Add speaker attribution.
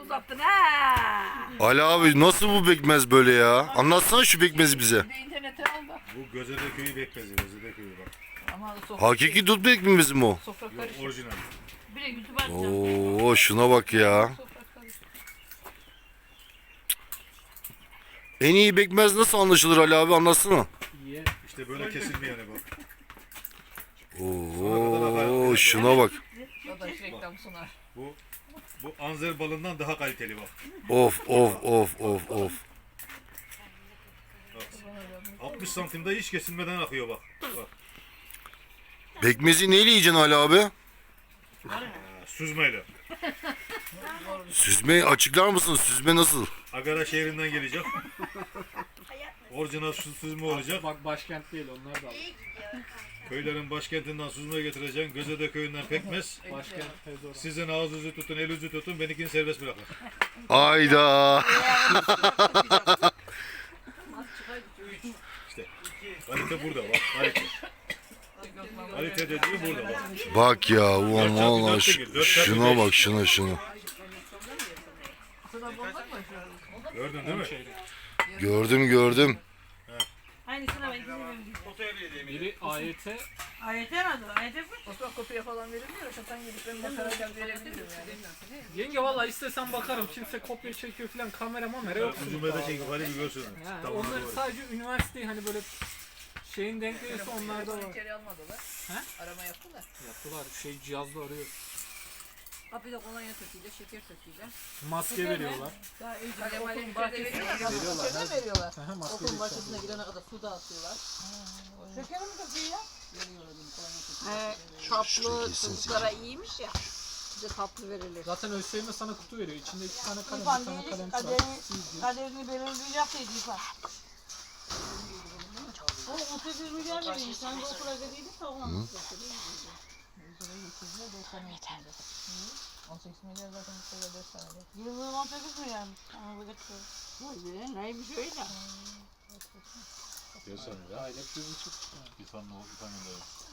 Speaker 1: uzattın ha.
Speaker 2: Ali abi nasıl bu pekmez böyle ya? Anlatsana şu pekmezi bize.
Speaker 1: Bir de internete aldı.
Speaker 3: Bu Gözede köyü bekmezi. Gözede köyü bak.
Speaker 1: Ama sofra,
Speaker 2: Hakiki dut pekmezi mi o?
Speaker 1: sofra
Speaker 3: Yok
Speaker 1: karışık.
Speaker 3: orijinal.
Speaker 1: Bir de YouTube açacağım.
Speaker 2: Oo şuna bak ya.
Speaker 1: Sofra karışık.
Speaker 2: En iyi pekmez nasıl anlaşılır Ali abi, anlatsana.
Speaker 3: İşte böyle kesilmeyene bak.
Speaker 2: Oo şuna bak.
Speaker 1: O da reklam sunar.
Speaker 3: Bu anzer balından daha kaliteli bak.
Speaker 2: Of of of of of.
Speaker 3: 60 santimde hiç kesilmeden akıyor bak. Bak.
Speaker 2: Pekmezi neyle yiyeceksin Ali abi?
Speaker 3: Süzmeyle.
Speaker 2: Süzme açıklar mısın? Süzme nasıl?
Speaker 3: Agara şehrinden gelecek. Orijinal süzme olacak.
Speaker 4: Bak başkent değil, onlar da alır.
Speaker 3: Köylerin başkentinden süzme getireceksin. Gözede köyünden pekmez.
Speaker 4: Başkent Fedora.
Speaker 3: Sizin ağzınızı tutun, elinizi tutun. Benimkini serbest bırakın.
Speaker 2: Ayda.
Speaker 3: İşte kalite burada bak. Kalite. Kalite dediği burada bak.
Speaker 2: Bak ya ulan valla şuna bak, şuna.
Speaker 3: Gördün değil mi?
Speaker 2: Gördüm.
Speaker 1: Aynısına ben izlemedim.
Speaker 4: Biri AYT,
Speaker 1: AYT mi adı? AYT mi? Osman kopya falan verilmiyor. Şatan gidip ben bakarken verebilirim yani.
Speaker 4: yenge valla istesem bakarım, kimse kopya çekiyor falan, kamera yok.
Speaker 3: Süzmede çekip hadi bir görsün.
Speaker 4: Yani
Speaker 3: Tamam,
Speaker 4: onları
Speaker 3: doğru.
Speaker 4: sadece üniversite hani böyle şeyin denk gelirse onlarda var.
Speaker 1: İçeri almadılar.
Speaker 4: He?
Speaker 1: Arama yaptılar.
Speaker 4: Yaptılar, cihazla arıyor.
Speaker 1: Kapıda kolonya töküyle, şeker töküyle.
Speaker 4: Maske veriyorlar.
Speaker 1: Daha iyice okulun bahçesine veriyorlar. Veriyorlar.
Speaker 4: Aha, maske
Speaker 1: Okulun
Speaker 4: veriyorlar.
Speaker 1: bahçesine gidene kadar su dağıtıyorlar. Şeker mi töküyor ya? Veriyorlar dedim kolonya töküyor.
Speaker 5: Tatlı çocuklara iyiymiş ya. Bize tatlı verilir.
Speaker 4: Zaten ÖSYM sana kutu veriyor. İçinde 2 tane kalem,
Speaker 6: İrfan
Speaker 4: bir tane
Speaker 6: diyecek
Speaker 4: kalem
Speaker 6: ki
Speaker 4: çıkar.
Speaker 6: kaderini belirleyecekteydi İrfan. O 38 milyar veriyor. Sen de okula gidiydin de ona nasıl götürüyor?
Speaker 1: 18 milyar zaten böyle 4 tane.
Speaker 6: Yıllığı 18 milyarmış. Ama götürüyor.
Speaker 5: Vay be neymiş öyle.
Speaker 3: Görsene ya.
Speaker 4: Aylık 1,5.
Speaker 3: Bir tane oldu, bir tane de yok.